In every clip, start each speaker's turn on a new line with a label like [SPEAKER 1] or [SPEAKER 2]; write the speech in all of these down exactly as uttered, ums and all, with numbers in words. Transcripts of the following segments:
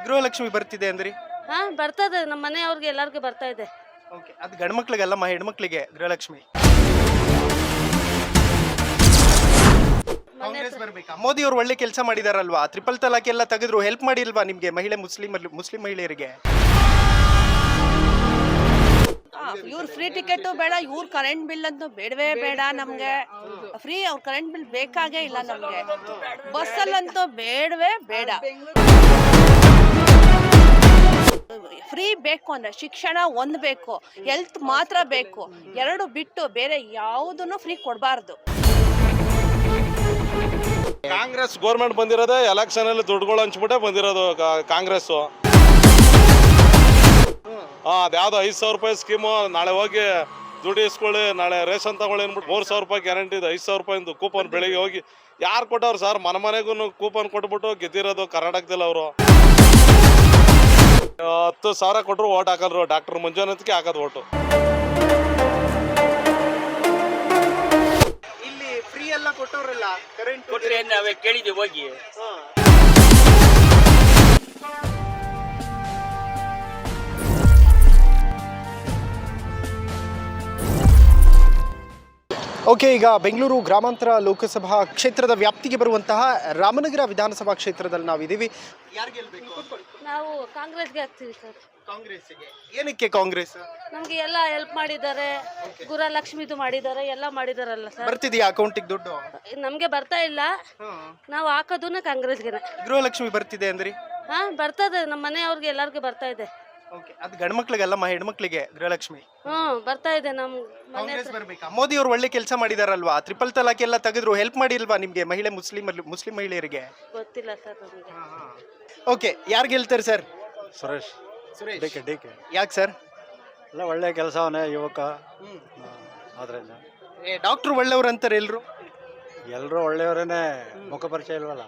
[SPEAKER 1] ಗೃಹಲಕ್ಷ್ಮಿ ಬರ್ತಿದೆ ಅಂದ್ರಿ.
[SPEAKER 2] ಹಾ ಬರ್ತದೆ, ನಮ್ಮ ಮನೆಯವ್ರಿಗೆ ಎಲ್ಲರಿಗೂ ಬರ್ತಾ ಇದೆ.
[SPEAKER 1] ಓಕೆ, ಅದು ಗಂಡು ಮಕ್ಳಿಗಲ್ಲಮ್ಮ, ಹೆಣ್ಮಕ್ಳಿಗೆ ಗೃಹಲಕ್ಷ್ಮಿ. ಕಾಂಗ್ರೆಸ್ ಬರ್ಬೇಕಾ? ಮೋದಿ ಅವರು ಒಳ್ಳೆ ಕೆಲಸ ಮಾಡಿದಾರಲ್ವಾ? ಟ್ರಿಪಲ್ ತಲಾಕ್ ಎಲ್ಲ ತೆಗೆದ್ರು, ಹೆಲ್ಪ್ ಮಾಡಿಲ್ವಾ ನಿಮ್ಗೆ ಮಹಿಳೆ ಮುಸ್ಲಿಂ ಮುಸ್ಲಿಂ ಮಹಿಳೆಯರಿಗೆ?
[SPEAKER 3] ಇವ್ರ ಫ್ರೀ ಟಿಕೆಟ್ ಬೇಡ, ಇವ್ರ ಕರೆಂಟ್ ಬಿಲ್ ಅಂತೂ ಬೇಡವೇ ಬೇಡ ನಮ್ಗೆ. ಫ್ರೀ ಅವ್ರ ಕರೆಂಟ್ ಬಿಲ್ ಬೇಕಾಗೇ ಇಲ್ಲ ನಮ್ಗೆ. ಬಸ್ಸಲ್ಲಂತೂ ಬೇಡವೇ ಬೇಡ. ಫ್ರೀ ಬೇಕು ಅಂದ್ರೆ ಶಿಕ್ಷಣ ಒಂದ್ ಬೇಕು, ಹೆಲ್ತ್ ಮಾತ್ರ ಬೇಕು. ಎರಡು ಬಿಟ್ಟು ಬೇರೆ ಯಾವುದನ್ನು ಫ್ರೀ ಕೊಡಬಾರ್ದು.
[SPEAKER 4] ಕಾಂಗ್ರೆಸ್ ಗೌರ್ಮೆಂಟ್ ಬಂದಿರೋದೇ ಎಲೆಕ್ಷನ್ ಅಲ್ಲಿ ದುಡ್ಡುಗಳು ಹಂಚ್ಬಿಟ್ಟೆ ಬಂದಿರೋದು ಕಾಂಗ್ರೆಸ್. ಹಾ ಅದ್ಯಾವ್ದು ಐದು ಸಾವಿರ ರೂಪಾಯಿ ಸ್ಕೀಮು, ನಾಳೆ ಹೋಗಿ ದುಡ್ಡು ಇಸ್ಕೊಳ್ಳಿ, ನಾಳೆ ರೇಷನ್ ತಗೊಳ್ಳಿ ಅಂದ್ಬಿಟ್ಟು ಮೂರು ಸಾವಿರ ರೂಪಾಯಿ ಗ್ಯಾರಂಟಿ ಇದೆ. ಐದು ಸಾವಿರ ರೂಪಾಯಿಂದು ಕೂಪನ್ ಬೆಳಿಗ್ಗೆ ಹೋಗಿ ಯಾರು ಕೊಟ್ಟವ್ರು ಸರ್? ಮನೆ ಮನೆಗೂ ಕೂಪನ್ ಕೊಟ್ಬಿಟ್ಟು ಗೆದ್ದಿರೋದು ಕರ್ನಾಟಕದಲ್ಲಿ ಅವರು. ಹತ್ತು ಸಾವಿರ ಕೊಟ್ಟರು ಓಟ್ ಹಾಕಲ್ರು, ಡಾಕ್ಟರ್ ಮಂಜುನಾಥ್ಗೆ ಹಾಕೋದು ಓಟು.
[SPEAKER 1] ಇಲ್ಲಿ ಫ್ರೀ ಎಲ್ಲ ಕೊಟ್ಟವ್ರಲ್ಲ, ಕರೆಂಟ್
[SPEAKER 5] ಕೊಟ್ರೆ ನಾವೇ ಕೇಳಿದ್ದೀವಿ ಹೋಗಿ.
[SPEAKER 1] ಓಕೆ, ಈಗ ಬೆಂಗಳೂರು ಗ್ರಾಮಾಂತರ ಲೋಕಸಭಾ ಕ್ಷೇತ್ರದ ವ್ಯಾಪ್ತಿಗೆ ಬರುವಂತಹ ರಾಮನಗರ ವಿಧಾನಸಭಾ ಕ್ಷೇತ್ರದಲ್ಲಿ ನಾವಿದ್ದೀವಿ. ಯಾರು ಗೆಲ್ಬೇಕು?
[SPEAKER 2] ನಾವು ಕಾಂಗ್ರೆಸ್ಗೆ ಹಾಕ್ತೀವಿ ಸರ್.
[SPEAKER 1] ಕಾಂಗ್ರೆಸ್ಗೆ. ಏನಕ್ಕೆ ಕಾಂಗ್ರೆಸ್?
[SPEAKER 2] ನಮ್ಗೆ ಎಲ್ಲ ಹೆಲ್ಪ್ ಮಾಡಿದ್ದಾರೆ, ಗೃಹಲಕ್ಷ್ಮಿದು ಮಾಡಿದ್ದಾರೆ, ಎಲ್ಲ ಮಾಡಿದಾರಲ್ಲ ಸರ್.
[SPEAKER 1] ಬರ್ತಿದೆಯಾ ಅಕೌಂಟಿಗೆ ದುಡ್ಡು?
[SPEAKER 2] ನಮ್ಗೆ ಬರ್ತಾ ಇಲ್ಲ, ನಾವು ಹಾಕೋದನ್ನ ಕಾಂಗ್ರೆಸ್ಗೆ.
[SPEAKER 1] ಗೃಹಲಕ್ಷ್ಮಿ ಬರ್ತಿದೆ ಅಂದ್ರಿ.
[SPEAKER 2] ಹಾ ಬರ್ತದೆ, ನಮ್ಮ ಮನೆಯವ್ರಿಗೆ ಎಲ್ಲರಿಗೂ ಬರ್ತಾ ಇದೆ.
[SPEAKER 1] ಓಕೆ, ಅದು ಗಂಡು ಮಕ್ಳಿಗಲ್ಲಮ್ಮ, ಹೆಣ್ಮಕ್ಳಿಗೆ ಗೃಹಲಕ್ಷ್ಮಿ.
[SPEAKER 2] ಹ್ಮ್ ಬರ್ತಾ ಇದೆ ನಮ್ಮ ಮನೆ.
[SPEAKER 1] ಕಾಂಗ್ರೆಸ್ ಬರ್ಬೇಕಾ? ಮೋದಿ ಅವರು ಒಳ್ಳೆ ಕೆಲಸ ಮಾಡಿದಾರಲ್ವಾ? ಟ್ರಿಪಲ್ ತಲಾಕ್ ಎಲ್ಲ ತೆಗೆದ್ರು, ಹೆಲ್ಪ್ ಮಾಡಿಲ್ವಾ ನಿಮ್ಗೆ ಮಹಿಳೆ ಮುಸ್ಲಿಂ ಮುಸ್ಲಿಂ ಮಹಿಳೆಯರಿಗೆ?
[SPEAKER 2] ಗೊತ್ತಿಲ್ಲ ಸರ್ ನಮಗೆ.
[SPEAKER 1] ಓಕೆ, ಯಾರು ಗೆಲ್ತಾರೆ sir?
[SPEAKER 6] Suresh
[SPEAKER 1] Suresh.
[SPEAKER 6] D K D K
[SPEAKER 1] ಯಾಕೆ ಸರ್?
[SPEAKER 6] ಎಲ್ಲ ಒಳ್ಳೆ ಕೆಲಸವನ್ನೇ, ಯುವಕ. ಆದ್ರಿಂದ
[SPEAKER 1] ಡಾಕ್ಟ್ರು ಒಳ್ಳೆಯವ್ರು ಅಂತಾರೆ ಎಲ್ರು.
[SPEAKER 6] ಎಲ್ಲರೂ ಒಳ್ಳೆಯವರೇನೆ, ಮುಖ ಪರಿಚಯ ಇಲ್ವಲ್ಲ,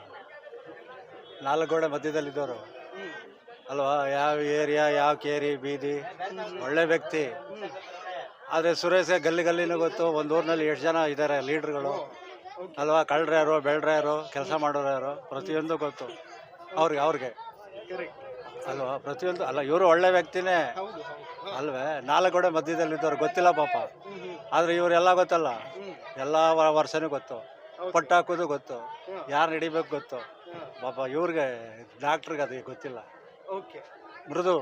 [SPEAKER 6] ನಾಲ್ಕು ಗೋಡೆ ಮಧ್ಯದಲ್ಲಿದ್ದವರು ಅಲ್ವಾ? ಯಾವ ಏರಿಯಾ, ಯಾವ ಕೇರಿ ಬೀದಿ, ಒಳ್ಳೆ ವ್ಯಕ್ತಿ. ಆದರೆ ಸುರೇಶ್ ಗಲ್ಲಿ ಗಲ್ಲಿನೂ ಗೊತ್ತು, ಒಂದು ಊರಿನಲ್ಲಿ ಎಷ್ಟು ಜನ ಇದ್ದಾರೆ ಲೀಡ್ರ್ಗಳು ಅಲ್ವಾ? ಕಳ್ಳರು ಯಾರು, ಬೆಳ್ರ ಯಾರು, ಕೆಲಸ ಮಾಡೋರು ಯಾರು, ಪ್ರತಿಯೊಂದು ಗೊತ್ತು ಅವ್ರಿಗೆ ಅವ್ರಿಗೆ ಅಲ್ವಾ? ಪ್ರತಿಯೊಂದು ಅಲ್ಲ, ಇವರು ಒಳ್ಳೆ ವ್ಯಕ್ತಿನೇ ಅಲ್ವೇ? ನಾಲ್ಕು ಗೋಡೆ ಮಧ್ಯದಲ್ಲಿದ್ದವ್ರು ಗೊತ್ತಿಲ್ಲ ಪಾಪ, ಆದರೆ ಇವರೆಲ್ಲ ಗೊತ್ತಲ್ಲ, ಎಲ್ಲ ವರ್ಷನೂ ಗೊತ್ತು, ಪಟ್ಟು ಹಾಕೋದು ಗೊತ್ತು, ಯಾರು ನಡಿಬೇಕು ಗೊತ್ತು ಪಾಪ. ಇವ್ರಿಗೆ ಡಾಕ್ಟ್ರಿಗೆ ಅದು ಗೊತ್ತಿಲ್ಲ.
[SPEAKER 1] ಮೃದು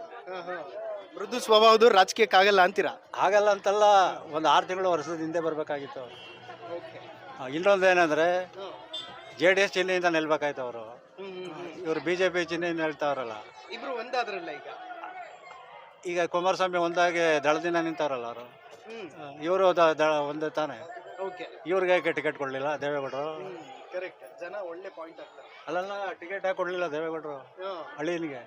[SPEAKER 1] ಮೃದು ಸ್ವಭಾವದ ರಾಜಕೀಯಕ್ಕೆ ಆಗಲ್ಲ ಅಂತೀರಾ?
[SPEAKER 6] ಆಗಲ್ಲ ಅಂತಲ್ಲ, ಒಂದು ಆರು ತಿಂಗಳು ವರ್ಷದ ಹಿಂದೆ ಬರಬೇಕಾಗಿತ್ತು ಅವರು. ಇನ್ನೊಂದು ಏನಂದ್ರೆ, ಜೆ ಡಿ ಎಸ್ ಚಿಹ್ನೆಯಿಂದ ನಿಲ್ಬೇಕಾಯ್ತು ಅವರು. ಇವರು ಬಿ ಜೆ ಪಿ ಚಿಹ್ನೆಯಿಂದ ನಿಲ್ತಾವ್ರಲ್ಲ.
[SPEAKER 1] ಇಬ್ರು ಒಂದಾದ್ರಲ್ಲ ಈಗ.
[SPEAKER 6] ಈಗ ಕುಮಾರಸ್ವಾಮಿ ಒಂದಾಗಿ ದಳದಿಂದ ನಿಂತವ್ರಲ್ಲ ಅವರು. ಇವರು ಒಂದೇ ತಾನೆ. ಇವ್ರಿಗೆ ಯಾಕೆ ಟಿಕೆಟ್ ಕೊಡ್ಲಿಲ್ಲ ದೇವೇಗೌಡರು?
[SPEAKER 1] ಕರೆಕ್ಟ್, ಜನ ಒಳ್ಳೆ ಪಾಯಿಂಟ್ ಆಗ್ತಾರೆ.
[SPEAKER 6] ಅಲ್ಲೆಲ್ಲ ಟಿಕೆಟ್ ಯಾಕೆ ಕೊಡ್ಲಿಲ್ಲ ದೇವೇಗೌಡರು ಹಳ್ಳಿನಿಗೆ?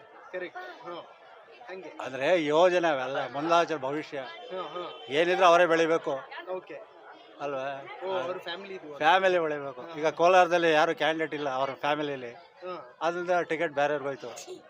[SPEAKER 6] ಅಂದ್ರೆ ಯೋಜನೆ ಅವೆಲ್ಲ ಮುಂದಾಚರ ಭವಿಷ್ಯ ಏನಿದ್ರು ಅವರೇ ಬೆಳಿಬೇಕು ಅಲ್ವಾ? ಫ್ಯಾಮಿಲಿ ಬೆಳಿಬೇಕು. ಈಗ ಕೋಲಾರದಲ್ಲಿ ಯಾರು ಕ್ಯಾಂಡಿಡೇಟ್ ಇಲ್ಲ ಅವ್ರ ಫ್ಯಾಮಿಲಿಯಲ್ಲಿ, ಅದರಿಂದ ಟಿಕೆಟ್ ಬೇರೆಯವ್ರಿಗೆ ಹೋಯ್ತು.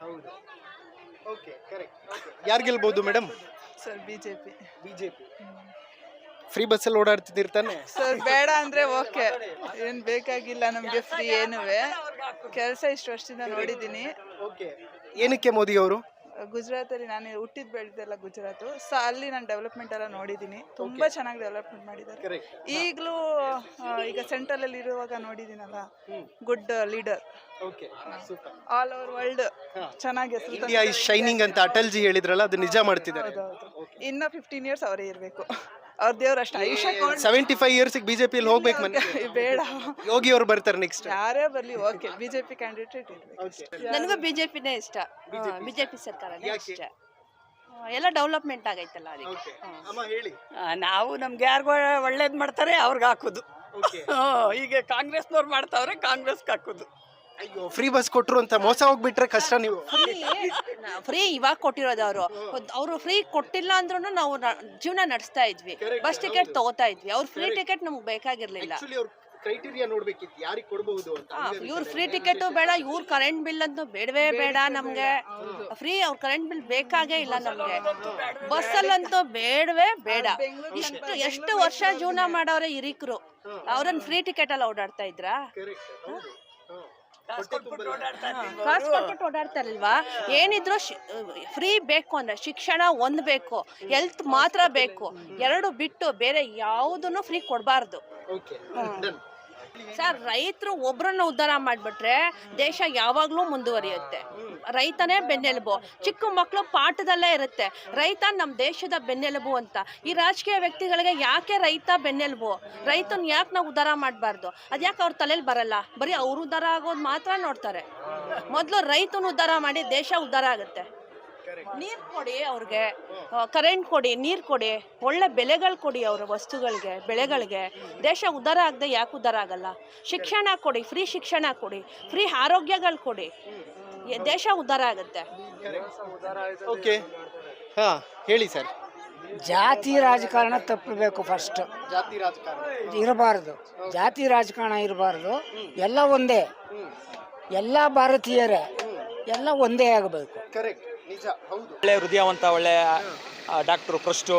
[SPEAKER 1] ಯಾರು ಗೆಲ್ಬಹುದು madam?
[SPEAKER 7] Sir BJP.
[SPEAKER 1] BJP. Free ಬಸ್ಸಲ್ಲಿ ಓಡಾಡ್ತಿದ್ದಿರ್ತಾನೆ
[SPEAKER 7] ಸರ್? ಬೇಡ ಅಂದ್ರೆ ಓಕೆ, ಏನ್ ಬೇಕಾಗಿಲ್ಲ ನಮ್ಗೆ ಫ್ರೀ ಏನುವೆ. ಕೆಲಸ ಇಷ್ಟು ವರ್ಷದಿಂದ ನೋಡಿದ್ದೀನಿ.
[SPEAKER 1] ಏನಕ್ಕೆ ಮೋದಿ ಅವರು?
[SPEAKER 7] ಗುಜರಾತ್ ಅಲ್ಲಿ ನಾನು ಹುಟ್ಟಿದ್ ಬೆಳೆದೆಲ್ಲ ಗುಜರಾತ್, ಸೊ ಅಲ್ಲಿ ನಾನು ಡೆವಲಪ್ಮೆಂಟ್ ಎಲ್ಲ ನೋಡಿದ್ದೀನಿ. ತುಂಬಾ ಚೆನ್ನಾಗಿ ಡೆವಲಪ್ಮೆಂಟ್ ಮಾಡಿದ್ದಾರೆ. ಈಗಲೂ ಈಗ ಸೆಂಟ್ರಲ್ ಅಲ್ಲಿ ಇರುವಾಗ ನೋಡಿದ್ದೀನಲ್ಲ, good leader. All over world ಚೆನ್ನಾಗಿ ಹೆಸರು.
[SPEAKER 1] ಇಂಡಿಯಾ ಇಸ್ ಶೈನಿಂಗ್ ಅಂತ ಅಟಲ್ ಜಿ ಹೇಳಿದ್ರಲ್ಲ, ಅದು ನಿಜ ಮಾಡ್ತಿದ್ದಾರೆ.
[SPEAKER 7] ಇನ್ನ ಫಿಫ್ಟೀನ್ ಇಯರ್ಸ್ ಅವರೇ ಇರ್ಬೇಕು. ಅವ್ರ ದೇವ್ರ ಅಷ್ಟ ಆಯುಷ್ಯ.
[SPEAKER 1] ಸೆವೆಂಟಿ ಫೈವ್ ಇಯರ್ಸ್ ಬಿಜೆಪಿಯಲ್ಲಿ ಹೋಗ್ಬೇಕು ಮನೆ.
[SPEAKER 7] ಬೇಡ,
[SPEAKER 1] ಯೋಗಿ ಅವರು ಬರ್ತಾರೆ ನೆಕ್ಸ್ಟ್.
[SPEAKER 7] ಯಾರೇ ಬರ್ಲಿ ಓಕೆ, ಬಿಜೆಪಿ ಕ್ಯಾಂಡಿಡೇಟ್ ಇರ್ಬೇಕು.
[SPEAKER 3] ನನಗೂ ಬಿಜೆಪಿನೇ ಇಷ್ಟ, ಬಿಜೆಪಿ ಸರ್ಕಾರನೇ ಇಷ್ಟ. ಎಲ್ಲ ಡೆವಲಪ್ಮೆಂಟ್ ಆಗೈತಲ್ಲ ಅದಕ್ಕೆ.
[SPEAKER 5] ನಾವು ನಮ್ಗೆ ಯಾರಿಗೂ ಒಳ್ಳೇದ್ ಮಾಡ್ತಾರೆ ಅವ್ರಿಗೆ ಹಾಕೋದು. ಈಗ ಕಾಂಗ್ರೆಸ್ನವ್ರು ಮಾಡ್ತಾವ್ರೆ, ಕಾಂಗ್ರೆಸ್ಗೆ ಹಾಕೋದು.
[SPEAKER 1] ಅಯ್ಯೋ, ಫ್ರೀ ಬಸ್ ಕೊಟ್ರು ಅಂತ ಮೋಸ ಹೋಗ್ಬಿಟ್ರೆ ಕಷ್ಟ. ನೀವು
[SPEAKER 3] ಫ್ರೀ ಇವಾಗ ಕೊಟ್ಟಿರೋದು ಅವರು. ಅವರು ಫ್ರೀ ಕೊಟ್ಟಿಲ್ಲ ಅಂದ್ರೂ ನಾವು ಜೀವನ ನಡೆಸ್ತಾ ಇದ್ವಿ, ಬಸ್ ಟಿಕೆಟ್ ತಗೋತಾ ಇದ್ವಿ. ಅವ್ರ ಫ್ರೀ ಟಿಕೆಟ್ ನಮ್ಗೆ ಬೇಕಾಗಿರ್ಲಿಲ್ಲ.
[SPEAKER 1] ಕ್ರೈಟೀರಿಯಾ ನೋಡ್ಬೇಕಿತ್ತು ಯಾರಿಗೆ ಕೊಡಬಹುದು ಅಂತ.
[SPEAKER 3] ಇವ್ರ ಫ್ರೀ ಟಿಕೆಟ್ ಬೇಡ, ಇವ್ರ ಕರೆಂಟ್ ಬಿಲ್ ಅಂತೂ ಬೇಡವೇ ಬೇಡ ನಮ್ಗೆ. ಫ್ರೀ ಅವ್ರ ಕರೆಂಟ್ ಬಿಲ್ ಬೇಕಾಗೇ ಇಲ್ಲ ನಮ್ಗೆ. ಬಸ್ಸಲ್ಲಂತೂ ಬೇಡವೇ ಬೇಡ. ಇಷ್ಟು ಎಷ್ಟು ವರ್ಷ ಜೀವನ ಮಾಡೋರೆ ಹಿರಿಕರು, ಅವ್ರನ್ನ ಫ್ರೀ ಟಿಕೆಟ್ ಎಲ್ಲ ಓಡಾಡ್ತಾ ಇದ್ರಾ?
[SPEAKER 5] ಕಾಸು ಕೊಟ್ಬಿಟ್ಟು ಓಡಾಡ್ತಾ ಇದ್ದೀವಿ
[SPEAKER 3] ಕಾಸು
[SPEAKER 5] ಅವರು.
[SPEAKER 3] ಕೊಟ್ಬಿಟ್ಟು ಓಡಾಡ್ತಾರಲ್ವಾ? ಏನಿದ್ರು ಫ್ರೀ ಬೇಕು ಅಂದ್ರೆ ಶಿಕ್ಷಣ ಒಂದು ಬೇಕು, ಹೆಲ್ತ್ ಮಾತ್ರ ಬೇಕು. ಎರಡು ಬಿಟ್ಟು ಬೇರೆ ಯಾವುದನ್ನು ಫ್ರೀ ಕೊಡಬಾರ್ದು. ಸರ್, ರೈತರು ಒಬ್ರನ್ನ ಉದ್ಧಾರ ಮಾಡಿಬಿಟ್ರೆ ದೇಶ ಯಾವಾಗಲೂ ಮುಂದುವರಿಯುತ್ತೆ. ರೈತನೇ ಬೆನ್ನೆಲುಬು. ಚಿಕ್ಕ ಮಕ್ಕಳು ಪಾಠದಲ್ಲೇ ಇರುತ್ತೆ ರೈತ ನಮ್ಮ ದೇಶದ ಬೆನ್ನೆಲುಬು ಅಂತ. ಈ ರಾಜಕೀಯ ವ್ಯಕ್ತಿಗಳಿಗೆ ಯಾಕೆ ರೈತ ಬೆನ್ನೆಲುಬು? ರೈತನ ಯಾಕೆ ನಾವು ಉದ್ಧಾರ ಮಾಡಬಾರ್ದು? ಅದ್ಯಾಕೆ ಅವ್ರ ತಲೆಯಲ್ಲಿ ಬರಲ್ಲ? ಬರೀ ಅವ್ರು ಉದ್ಧಾರ ಆಗೋದು ಮಾತ್ರ ನೋಡ್ತಾರೆ. ಮೊದಲು ರೈತನ ಉದ್ಧಾರ ಮಾಡಿ ದೇಶ ಉದ್ಧಾರ ಆಗುತ್ತೆ. ನೀರು ಕೊಡಿ ಅವ್ರಿಗೆ, ಕರೆಂಟ್ ಕೊಡಿ, ನೀರು ಕೊಡಿ, ಒಳ್ಳೆ ಬೆಲೆಗಳು ಕೊಡಿ ಅವ್ರ ವಸ್ತುಗಳಿಗೆ, ಬೆಳೆಗಳಿಗೆ. ದೇಶ ಉದ್ಧಾರ ಆಗದೆ ಯಾಕೆ ಉದ್ಧಾರ ಆಗಲ್ಲ? ಶಿಕ್ಷಣ ಕೊಡಿ, ಫ್ರೀ ಶಿಕ್ಷಣ ಕೊಡಿ, ಫ್ರೀ ಆರೋಗ್ಯಗಳು ಕೊಡಿ, ದೇಶ ಉದ್ಧಾರ ಆಗುತ್ತೆ.
[SPEAKER 1] ಓಕೆ, ಹಾ ಹೇಳಿ ಸರ್.
[SPEAKER 8] ಜಾತಿ ರಾಜಕಾರಣ ತಪ್ಪಬೇಕು. ಫಸ್ಟ್
[SPEAKER 1] ಜಾತಿ ರಾಜಕಾರಣ
[SPEAKER 8] ಇರಬಾರ್ದು, ಜಾತಿ ರಾಜಕಾರಣ ಇರಬಾರ್ದು. ಎಲ್ಲ ಒಂದೇ, ಎಲ್ಲ ಭಾರತೀಯರೇ, ಎಲ್ಲ ಒಂದೇ ಆಗಬೇಕು.
[SPEAKER 1] ಕರೆಕ್ಟ್, ನಿಜ, ಹೌದು.
[SPEAKER 9] ಒಳ್ಳೆ ಹೃದಯವಂತ, ಒಳ್ಳೆ ಡಾಕ್ಟ್ರು, ಫಸ್ಟು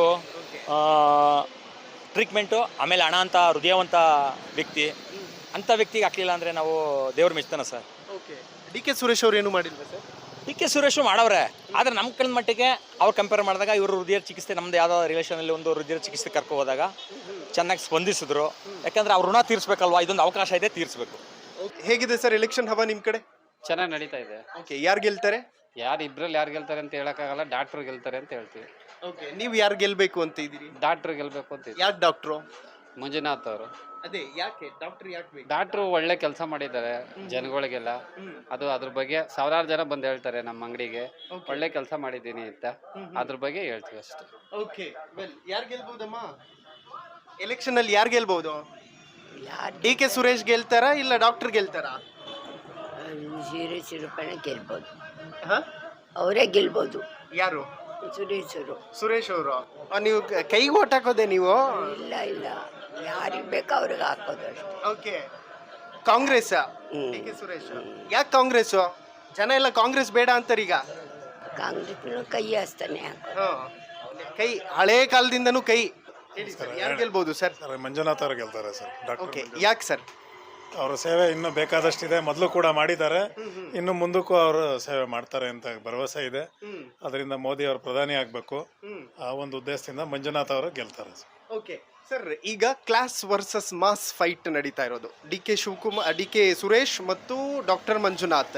[SPEAKER 9] ಟ್ರೀಟ್ಮೆಂಟು, ಆಮೇಲೆ ಹಣ ಅಂತ ಹೃದಯವಂತ ವ್ಯಕ್ತಿ. ಅಂಥ ವ್ಯಕ್ತಿಗೆ ಹಾಕಲಿಲ್ಲ ಅಂದರೆ ನಾವು ದೇವ್ರ ಮೆಚ್ತಾನೆ sir.
[SPEAKER 1] Okay, D K Suresh ಅವ್ರು ಏನು ಮಾಡಿಲ್ವಾ ಸರ್?
[SPEAKER 9] ಡಿ ಕೆ ಸುರೇಶು ಮಾಡವ್ರೆ, ಆದರೆ ನಮ್ಮ ಕಳೆದ ಮಟ್ಟಿಗೆ ಅವ್ರು ಕಂಪೇರ್ ಮಾಡಿದಾಗ ಇವರು ಹೃದಯ ಚಿಕಿತ್ಸೆ, ನಮ್ಮದು ಯಾವುದೋ ರಿಲೇಷನಲ್ಲಿ ಒಂದು ಹೃದಯ ಚಿಕಿತ್ಸೆ ಕರ್ಕೊ ಹೋದಾಗ ಚೆನ್ನಾಗಿ ಸ್ಪಂದಿಸಿದ್ರು. ಯಾಕಂದರೆ ಅವ್ರ ಋಣ ತೀರಿಸ್ಬೇಕಲ್ವಾ, ಇದೊಂದು ಅವಕಾಶ ಇದೆ, ತೀರಿಸ್ಬೇಕು.
[SPEAKER 1] ಹೇಗಿದೆ ಸರ್ ಎಲೆಕ್ಷನ್ ಹವಾ ನಿಮ್ಮ ಕಡೆ?
[SPEAKER 10] ಚೆನ್ನಾಗಿ ನಡೀತಾ ಇದೆ.
[SPEAKER 1] ಓಕೆ, ಯಾರು ಗೆಲ್ತಾರೆ?
[SPEAKER 10] ಯಾರು ಇಬ್ರಲ್ಲಿ ಯಾರು ಗೆಲ್ತಾರೆ ಅಂತ ಹೇಳಕ್ಕಾಗಲ್ಲ. ಡಾಕ್ಟ್ರು ಗೆಲ್ತಾರೆ ಅಂತ ಹೇಳ್ತೀವಿ.
[SPEAKER 1] ಓಕೆ, ನೀವು ಯಾರು ಗೆಲ್ಬೇಕು ಅಂತ ಇದ್ದೀರಿ?
[SPEAKER 10] ಡಾಕ್ಟ್ರು ಗೆಲ್ಬೇಕು ಅಂತ ಇದೆ.
[SPEAKER 1] ಯಾಕೆ ಡಾಕ್ಟ್ರು?
[SPEAKER 10] ಮಂಜುನಾಥ್ ಅವರು.
[SPEAKER 1] ಅದೇ ಯಾಕೆ ಡಾಕ್ಟರ್ ಯಾಕೆ ಬೇಕು?
[SPEAKER 10] ಡಾಕ್ಟ್ರು ಒಳ್ಳೆ ಕೆಲಸ ಮಾಡಿದ್ದಾರೆ ಜನಗಳಿಗೆಲ್ಲ. ಅದು ಅದ್ರ ಬಗ್ಗೆ ಸಾವಿರಾರು ಜನ ಬಂದು ಹೇಳ್ತಾರೆ ನಮ್ಮ ಅಂಗಡಿಗೆ ಒಳ್ಳೆ ಕೆಲಸ ಮಾಡಿದ್ದೀನಿ ಅಂತ. ಅದ್ರ ಬಗ್ಗೆ ಹೇಳ್ತೀವಿ ಅಷ್ಟೇ.
[SPEAKER 1] ಓಕೆ, ವೆಲ್, ಯಾರು ಗೆಲ್ಬಹುದಮ್ಮ ಎಲೆಕ್ಷನ್ ಅಲ್ಲಿ? ಯಾರು ಗೆಲ್ಬಹುದು? ಡಿ ಕೆ ಸುರೇಶ್ ಗೆಲ್ತಾರಾ ಇಲ್ಲ ಡಾಕ್ಟರ್ ಗೆಲ್ತಾರಾ?
[SPEAKER 11] ಸುರೇಶ್ ರೂಪಾಯಿ ಗೆಲ್ಬೋದು,
[SPEAKER 1] ಹಾ,
[SPEAKER 11] ಅವರೇ ಗೆಲ್ಬೋದು.
[SPEAKER 1] ಯಾರು?
[SPEAKER 11] ಸುರೇಶರು.
[SPEAKER 1] ಸುರೇಶ್ ಅವರು. ನೀವು ಕೈಗೆ ಓಟ್ ಹಾಕೋದೆ ನೀವು?
[SPEAKER 11] ಇಲ್ಲ ಇಲ್ಲ, ಯಾರಿಗೆ ಬೇಕೋ ಅವ್ರಿಗೆ ಹಾಕೋದು ಅಷ್ಟೇ.
[SPEAKER 1] Okay, Congress? D K Suresh. ಯಾಕೆ ಕಾಂಗ್ರೆಸ್? ಜನ ಎಲ್ಲ ಕಾಂಗ್ರೆಸ್ ಬೇಡ ಅಂತಾರೆ ಈಗ.
[SPEAKER 11] ಕಾಂಗ್ರೆಸ್ ಕೈ ಹಸ್ತಾನೆ ಹಾಕೋದು.
[SPEAKER 1] ಕೈ ಹಳೇ ಕಾಲದಿಂದನೂ ಕೈ. ಯಾರು ಗೆಲ್ಬಹುದು ಸರ್?
[SPEAKER 12] ಸರ್, ಮಂಜುನಾಥ್ ಅವರು ಗೆಲ್ತಾರೆ ಸರ್. ಡಾಕ್ಟರ್
[SPEAKER 1] ಓಕೆ, ಯಾಕೆ ಸರ್?
[SPEAKER 12] ಅವರ ಸೇವೆ ಇನ್ನೂ ಬೇಕಾದಷ್ಟಿದೆ, ಮೊದಲು ಕೂಡ ಮಾಡಿದ್ದಾರೆ, ಇನ್ನು ಮುಂದಕ್ಕೂ ಅವರು ಸೇವೆ ಮಾಡ್ತಾರೆ ಅಂತ ಭರವಸೆ ಇದೆ. ಅದರಿಂದ ಮೋದಿ ಅವರು ಪ್ರಧಾನಿ ಆಗಬೇಕು, ಆ ಒಂದು ಉದ್ದೇಶದಿಂದ ಮಂಜುನಾಥ್ ಅವರು ಗೆಲ್ತಾರೆ ಸರ್.
[SPEAKER 1] ಓಕೆ ಸರ್, ಈಗ ಕ್ಲಾಸ್ ವರ್ಸಸ್ ಮಾಸ್ ಫೈಟ್ ನಡೀತಾ ಇರೋದು D K Shivakumar, D K Suresh ಮತ್ತು doctor Manjunath.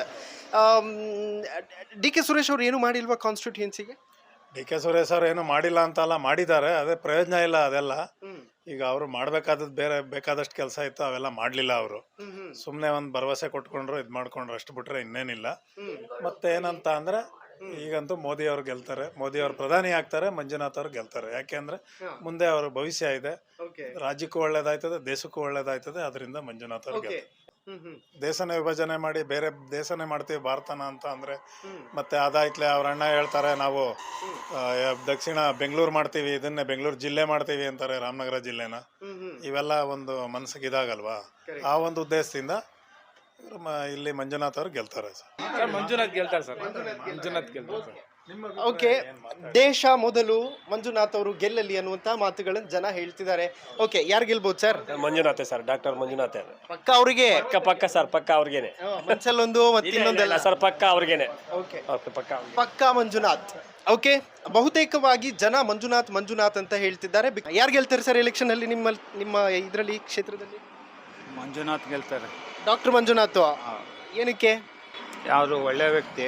[SPEAKER 1] D K Suresh ಅವರು ಏನು ಮಾಡಿಲ್ವಾ ಕಾನ್ಸ್ಟಿಟ್ಯೂನ್ಸಿಗೆ?
[SPEAKER 12] ಡಿ ಕೆ ಸುರೇಶ್ ಅವರು ಏನು ಮಾಡಿಲ್ಲ ಅಂತಲ್ಲ, ಮಾಡಿದ್ದಾರೆ, ಅದೇ ಪ್ರಯೋಜನ ಇಲ್ಲ ಅದೆಲ್ಲ. ಈಗ ಅವರು ಮಾಡಬೇಕಾದದ್ದು ಬೇರೆ ಬೇಕಾದಷ್ಟು ಕೆಲಸ ಇತ್ತು, ಅವೆಲ್ಲ ಮಾಡಲಿಲ್ಲ ಅವರು. ಸುಮ್ಮನೆ ಒಂದು ಭರವಸೆ ಕೊಟ್ಕೊಂಡ್ರು, ಇದು ಮಾಡ್ಕೊಂಡ್ರು, ಅಷ್ಟು ಬಿಟ್ರೆ ಇನ್ನೇನಿಲ್ಲ. ಮತ್ತೆ ಏನಂತ ಅಂದರೆ ಈಗಂತೂ ಮೋದಿ ಅವರು ಗೆಲ್ತಾರೆ, ಮೋದಿ ಅವರು ಪ್ರಧಾನಿ ಆಗ್ತಾರೆ, ಮಂಜುನಾಥ್ ಅವರು ಗೆಲ್ತಾರೆ. ಯಾಕೆಂದ್ರೆ ಮುಂದೆ ಅವರ ಭವಿಷ್ಯ ಇದೆ, ರಾಜ್ಯಕ್ಕೂ ಒಳ್ಳೇದಾಯ್ತದೆ, ದೇಶಕ್ಕೂ ಒಳ್ಳೇದಾಯ್ತದೆ. ಅದರಿಂದ ಮಂಜುನಾಥ್ ಅವರು ಗೆಲ್ತಾರೆ. ದೇಶನ ವಿಭಜನೆ ಮಾಡಿ ಬೇರೆ ದೇಶನೇ ಮಾಡ್ತೀವಿ ಭಾರತನ ಅಂತ ಅಂದ್ರೆ ಮತ್ತೆ ಅದಾಯ್ತಲೆ ಅವ್ರ ಅಣ್ಣ ಹೇಳ್ತಾರೆ ನಾವು ದಕ್ಷಿಣ ಬೆಂಗಳೂರು ಮಾಡ್ತೀವಿ, ಇದನ್ನೇ ಬೆಂಗಳೂರು ಜಿಲ್ಲೆ ಮಾಡ್ತೀವಿ ಅಂತಾರೆ, ರಾಮನಗರ ಜಿಲ್ಲೆನ. ಇವೆಲ್ಲ ಒಂದು ಮನಸ್ಸಿಗೆ ಇದಾಗಲ್ವಾ? ಆ ಒಂದು ಉದ್ದೇಶದಿಂದ ಇಲ್ಲಿ ಮಂಜುನಾಥ್ ಅವರು ಗೆಲ್ತಾರೆ ಸರ್.
[SPEAKER 10] ಮಂಜುನಾಥ್ ಗೆಲ್ತಾರೆ ಸರ್. ಮಂಜುನಾಥ್ ಗೆಲ್ತಾರೆ ಸರ್.
[SPEAKER 1] ಓಕೆ, ದೇಶ ಮೊದಲು, ಮಂಜುನಾಥ್ ಅವರು ಗೆಲ್ಲಲಿ ಅನ್ನುವಂತ ಮಾತುಗಳನ್ನು ಜನ ಹೇಳ್ತಿದ್ದಾರೆ. ಓಕೆ, ಯಾರು ಗೆಲ್ಬಹುದು sir?
[SPEAKER 13] Manjunath sir, doctor Manjunath
[SPEAKER 1] ಪಕ್ಕ ಅವ್ರಿಗೆ?
[SPEAKER 13] ಪಕ್ಕ ಪಕ್ಕ ಸರ್, ಪಕ್ಕ ಅವ್ರಿಗೇನೆ.
[SPEAKER 1] ಮನ್ಸಲ್ಲೊಂದು ಮತ್ತಿನ್ನೊಂದೆಲ್ಲ
[SPEAKER 13] ಸರ್, ಪಕ್ಕ ಅವ್ರಿಗೇನೆ.
[SPEAKER 1] ಓಕೆ,
[SPEAKER 13] ಪಕ್ಕ
[SPEAKER 1] ಪಕ್ಕ ಮಂಜುನಾಥ್. ಓಕೆ, ಬಹುತೇಕವಾಗಿ ಜನ ಮಂಜುನಾಥ್ ಮಂಜುನಾಥ್ ಅಂತ ಹೇಳ್ತಿದ್ದಾರೆ. ಯಾರು ಗೆಲ್ತಾರೆ ಸರ್ ಎಲೆಕ್ಷನ್ ಅಲ್ಲಿ ನಿಮ್ಮ ನಿಮ್ಮ ಇದರಲ್ಲಿ ಕ್ಷೇತ್ರದಲ್ಲಿ?
[SPEAKER 6] ಮಂಜುನಾಥ್ ಗೆಲ್ತಾರೆ.
[SPEAKER 1] ಡಾಕ್ಟರ್ ಮಂಜುನಾಥ್. ಏನಕ್ಕೆ?
[SPEAKER 6] ಯಾರು ಒಳ್ಳೆ ವ್ಯಕ್ತಿ,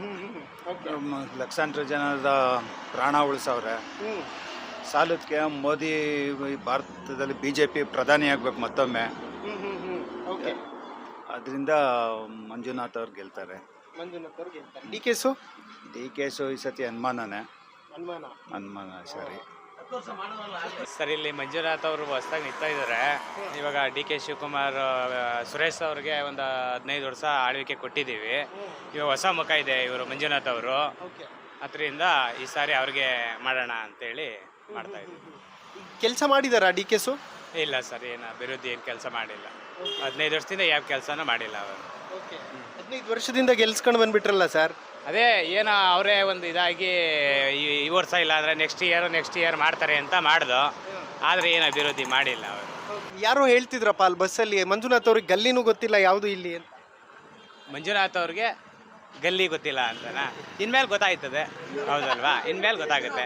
[SPEAKER 6] ಲಕ್ಷಾಂತರ ಜನದ ಪ್ರಾಣ ಉಳಿಸವ್ರೆ. ಸಾಲಕ್ಕೆ ಮೋದಿ ಭಾರತದಲ್ಲಿ ಬಿ ಜೆ ಪಿ ಪ್ರಧಾನಿ ಆಗ್ಬೇಕು ಮತ್ತೊಮ್ಮೆ. ಅದರಿಂದ ಮಂಜುನಾಥ್ ಅವ್ರು ಗೆಲ್ತಾರೆ.
[SPEAKER 1] ಮಂಜುನಾಥ್ ಅವ್ರು ಗೆಲ್ತಾರೆ. ಡಿ ಕೆಸು?
[SPEAKER 6] ಡಿ ಕೆಸು ಈ ಸತಿ ಅನುಮಾನನೇ.
[SPEAKER 1] ಅನುಮಾನ?
[SPEAKER 6] ಅನುಮಾನ, ಸರಿ
[SPEAKER 10] ಸರ್. ಇಲ್ಲಿ ಮಂಜುನಾಥ್ ಅವರು ಹೊಸದಾಗಿ ನಿಂತಾ ಇದ್ದಾರೆ. ಇವಾಗ ಡಿ ಕೆ ಶಿವಕುಮಾರ್, ಸುರೇಶ್ ಅವ್ರಿಗೆ ಒಂದು ಹದಿನೈದು ವರ್ಷ ಆಳ್ವಿಕೆ ಕೊಟ್ಟಿದ್ದೀವಿ. ಇವಾಗ ಹೊಸ ಮುಖ ಇದೆ ಇವರು ಮಂಜುನಾಥ್ ಅವರು. ಅದರಿಂದ ಈ ಸಾರಿ ಅವ್ರಿಗೆ ಮಾಡೋಣ ಅಂತೇಳಿ ಮಾಡ್ತಾ ಇದ್ದೀವಿ.
[SPEAKER 1] ಕೆಲಸ ಮಾಡಿದಾರಾ ಡಿ ಕೆಸು?
[SPEAKER 10] ಇಲ್ಲ ಸರ್, ಏನು ಅಭಿವೃದ್ಧಿ ಏನು ಕೆಲಸ ಮಾಡಿಲ್ಲ. ಹದಿನೈದು ವರ್ಷದಿಂದ ಯಾವ ಕೆಲಸನೂ ಮಾಡಿಲ್ಲ ಅವರು.
[SPEAKER 1] ಹದಿನೈದು ವರ್ಷದಿಂದ ಗೆಲ್ಸ್ಕೊಂಡು ಬಂದ್ಬಿಟ್ರಲ್ಲ ಸರ್.
[SPEAKER 10] ಅದೇ ಏನೋ ಅವರೇ ಒಂದು ಇದಾಗಿ ಈ ವರ್ಷ ಇಲ್ಲ ಅಂದರೆ ನೆಕ್ಸ್ಟ್ ಇಯರ್ ನೆಕ್ಸ್ಟ್ ಇಯರ್ ಮಾಡ್ತಾರೆ ಅಂತ ಮಾಡ್ದು, ಆದರೆ ಏನು ಅಭಿವೃದ್ಧಿ ಮಾಡಿಲ್ಲ ಅವರು.
[SPEAKER 1] ಯಾರೋ ಹೇಳ್ತಿದ್ರಪ್ಪ ಅಲ್ಲಿ ಬಸ್ಸಲ್ಲಿ, ಮಂಜುನಾಥ್ ಅವ್ರಿಗೆ ಗಲ್ಲಿನೂ ಗೊತ್ತಿಲ್ಲ ಯಾವುದು ಇಲ್ಲಿ ಅಂತ.
[SPEAKER 10] ಮಂಜುನಾಥ್ ಅವ್ರಿಗೆ ಗಲ್ಲಿ ಗೊತ್ತಿಲ್ಲ ಅಂತನಾ? ಇನ್ಮೇಲೆ ಗೊತ್ತಾಯ್ತದೆ, ಹೌದಲ್ವಾ? ಇನ್ಮೇಲೆ ಗೊತ್ತಾಗುತ್ತೆ.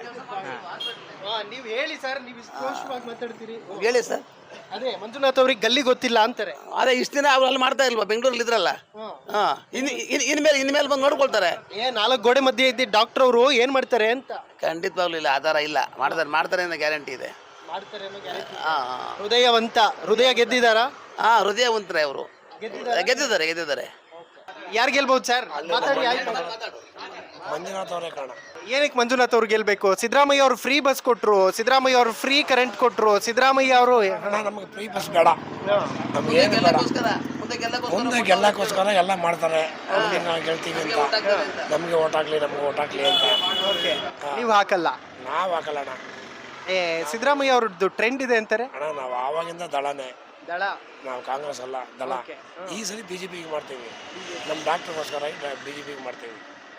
[SPEAKER 1] ನೀವು ಹೇಳಿ ಸರ್, ನೀವು ಸ್ಪಷ್ಟವಾಗಿ ಮಾತಾಡ್ತೀರಿ.
[SPEAKER 14] ಹೇಳಿ ಸರ್.
[SPEAKER 1] ಅದೇ ಮಂಜುನಾಥ್ ಅವ್ರಿಗೆ ಗಲ್ಲಿ ಗೊತ್ತಿಲ್ಲ ಅಂತಾರೆ.
[SPEAKER 14] ಅದೇ ಇಷ್ಟು ದಿನ ಅವ್ರು ಅಲ್ಲಿ ಮಾಡ್ತಾ ಇಲ್ವಾ, ಬೆಂಗಳೂರಲ್ಲಿ ಇದ್ರಲ್ಲ. ಹಾ, ಇನ್ ಇನ್- ಇನ್ಮೇಲೆ ಇನ್ಮೇಲೆ ಬಂದು ನೋಡ್ಕೊಳ್ತಾರೆ.
[SPEAKER 1] ಏ ನಾಲ್ಕು ಗೋಡೆ ಮಧ್ಯೆ ಇದ್ದ ಡಾಕ್ಟರ್ ಅವರು ಏನ್ ಮಾಡ್ತಾರೆ ಅಂತ.
[SPEAKER 14] ಖಂಡಿತವಾಗ್ಲೂ ಇಲ್ಲ, ಆಧಾರ ಇಲ್ಲ. ಮಾಡ್ತಾರೆ ಮಾಡ್ತಾರೆ ಅನ್ನೋ ಗ್ಯಾರಂಟಿ ಇದೆ.
[SPEAKER 1] ಮಾಡ್ತಾರೆ ಅನ್ನೋ guarantee.
[SPEAKER 14] ಹಾ
[SPEAKER 1] ಹೃದಯವಂತ, ಹೃದಯ ಗೆದ್ದಿದಾರಾ?
[SPEAKER 14] ಹಾ ಹೃದಯವಂತರೇ ಅವರು. ಗೆದ್ದಿದ್ದಾರೆ ಗೆದ್ದಿದ್ದಾರೆ.
[SPEAKER 1] ಯಾರು ಗೆಲ್ಬಹುದು ಸರ್? ಮಾತಾಡಿ. ಆಯ್ತು.
[SPEAKER 14] ಮಂಜುನಾಥ್ ಅವರೇ ಕಾರಣ.
[SPEAKER 1] ಏನಕ್ಕೆ ಮಂಜುನಾಥ್ ಅವ್ರು ಗೆಲ್ಬೇಕು? ಸಿದ್ದರಾಮಯ್ಯ ಅವರು ಫ್ರೀ ಬಸ್ ಕೊಟ್ರು, ಸಿದ್ದರಾಮಯ್ಯ ಅವರು ಫ್ರೀ ಕರೆಂಟ್ ಕೊಟ್ರು, ಸಿದ್ದರಾಮಯ್ಯ ಅವರು
[SPEAKER 15] ನಮಗೆ ಫ್ರೀ ಬಸ್ ಬೇಡ, ನಮ್ಗೆ ಏನು ಬೇಡ. ಮುಂದೆ ಗೆಲ್ಲಕ್ಕೋಸ್ಕರ ಎಲ್ಲ ಮಾಡ್ತಾರೆ. ಅವ್ರಿಗೆ ನಾವು ಗೆಲ್ತೀವಿ ಅಂತ, ನಮಗೆ ಓಟ್ ಹಾಕ್ಲಿ ನಮ್ಗೆ ಓಟ್ ಹಾಕ್ಲಿ ಅಂತ.
[SPEAKER 1] ನೀವು ಹಾಕಲ್ಲ?
[SPEAKER 15] ನಾವು ಹಾಕಲ್ಲ ಅಣ್ಣ.
[SPEAKER 1] ಏ ಸಿದ್ದರಾಮಯ್ಯ ಅವ್ರದ್ದು ಟ್ರೆಂಡ್ ಇದೆ ಅಂತಾರೆ.
[SPEAKER 15] ಅಣ್ಣ ನಾವು ಆವಾಗಿಂದ ದಳನೇ,
[SPEAKER 1] ದಳ.
[SPEAKER 15] ನಾವು ಕಾಂಗ್ರೆಸ್ ಅಲ್ಲ, ದಳ. ಈ ಸಲ ಬಿ ಜೆ ಪಿಗೆ ಮಾಡ್ತೀವಿ, ನಮ್ಮ ಡಾಕ್ಟರ್ಗೋಸ್ಕರ ಬಿ ಜೆ ಪಿಗೆ ಮಾಡ್ತೀವಿ.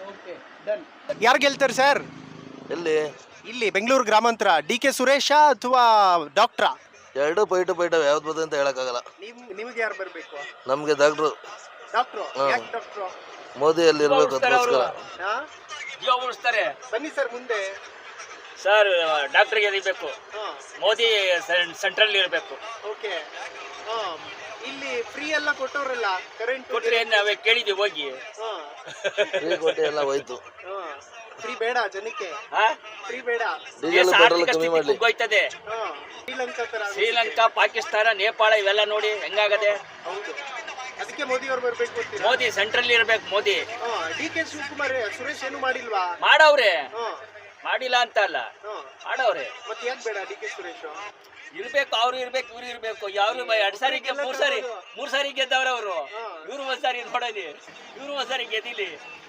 [SPEAKER 1] ಯಾರು ಗೆಲ್ತಾರೆ ಸರ್
[SPEAKER 16] ಎಲ್ಲಿ?
[SPEAKER 1] ಇಲ್ಲಿ ಬೆಂಗಳೂರು ಗ್ರಾಮಾಂತರ? ಡಿ ಕೆ ಸುರೇಶ ಅಥವಾ ಡಾಕ್ಟ್ರಾ?
[SPEAKER 16] ಎರಡು ಪೈಟು ಪೈಟ ಯಾವ್ದು ಬರ್ತದೆ ಅಂತ ಹೇಳಕ್ಕಾಗಲ್ಲ.
[SPEAKER 1] ನಿಮಗೆ ಯಾರು ಬರಬೇಕು?
[SPEAKER 16] ನಮ್ಗೆ ಡಾಕ್ಟ್ರು
[SPEAKER 1] ಡಾಕ್ಟ್ರು.
[SPEAKER 16] ಹಾ.
[SPEAKER 1] ಯಾಕೆ ಡಾಕ್ಟ್ರು?
[SPEAKER 16] ಮೋದಿ ಅಲ್ಲಿ ಇರ್ಬೇಕು ಅದಕ್ಕೋಸ್ಕರ.
[SPEAKER 1] ಬನ್ನಿ ಸರ್ ಮುಂದೆ.
[SPEAKER 17] ಸರ್ ಡಾಕ್ಟರ್ಗೆ ಇರಬೇಕು, ಮೋದಿ ಸೆಂಟ್ರಲ್ ಇರಬೇಕು.
[SPEAKER 1] ಓಕೆ. ಇಲ್ಲಿ ಫ್ರೀ ಎಲ್ಲ ಕೊಟ್ಟವ್ರಲ್ಲ ಕರೆಂಟ್
[SPEAKER 17] ಕೊಟ್ರೆ ನಾವೇ ಕೇಳಿದ್ವಿ ಹೋಗಿ.
[SPEAKER 16] ಫ್ರೀ ಕೊಟ್ಟೆ ಎಲ್ಲ ಹೋಯ್ತು.
[SPEAKER 1] ಫ್ರೀ ಬೇಡ ಜನಕ್ಕೆ, ಫ್ರೀ ಬೇಡ.
[SPEAKER 16] ಡೀಸೆಲ್ ಪೆಟ್ರೋಲ್ ಕಮ್ಮಿ ಮಾಡ್ಲಿ.
[SPEAKER 17] ಹೋಯ್ತದೆ.
[SPEAKER 1] ಶ್ರೀಲಂಕಾ ತರ.
[SPEAKER 17] ಶ್ರೀಲಂಕಾ, ಪಾಕಿಸ್ತಾನ, ನೇಪಾಳ ಇವೆಲ್ಲ ನೋಡಿ ಹೆಂಗಾಗದೆ.
[SPEAKER 1] ಹೌದು, ಅದಕ್ಕೆ ಮೋದಿ ಅವ್ರು ಬರ್ಬೇಕು ಅಂತೀರಾ?
[SPEAKER 17] ಮೋದಿ ಸೆಂಟ್ರಲ್ ಇರ್ಬೇಕು. ಮೋದಿ.
[SPEAKER 1] ಡಿ ಕೆ ಶಿವಕುಮಾರ್ ಸುರೇಶ್ ಏನು ಮಾಡಿಲ್ವಾ?
[SPEAKER 17] ಮಾಡವ್ರೆ, ಮಾಡಿಲ್ಲ ಅಂತ ಅಲ್ಲ, ಮಾಡವ್ರೆ.
[SPEAKER 1] ಮತ್ತೆ ಯಾಕೆ ಬೇಡ ಡಿ ಕೆ ಸುರೇಶ್?
[SPEAKER 17] ಇರ್ಬೇಕು, ಅವ್ರು ಇರ್ಬೇಕು, ಇವ್ರು ಇರ್ಬೇಕು. ಯಾರು ಎರಡ್ ಸಾರಿಗೆ ಮೂರ್ ಸಾರಿ ಮೂರ್ ಸಾರಿ ಗೆದ್ದವ್ರ ಅವರು. ಇವ್ರು ಒಂದ್ ಸಾರಿ ನೋಡಲಿ, ಇವ್ರು ಒಂದ್ ಸಾರಿ ಗೆದ್ದಿಲಿ.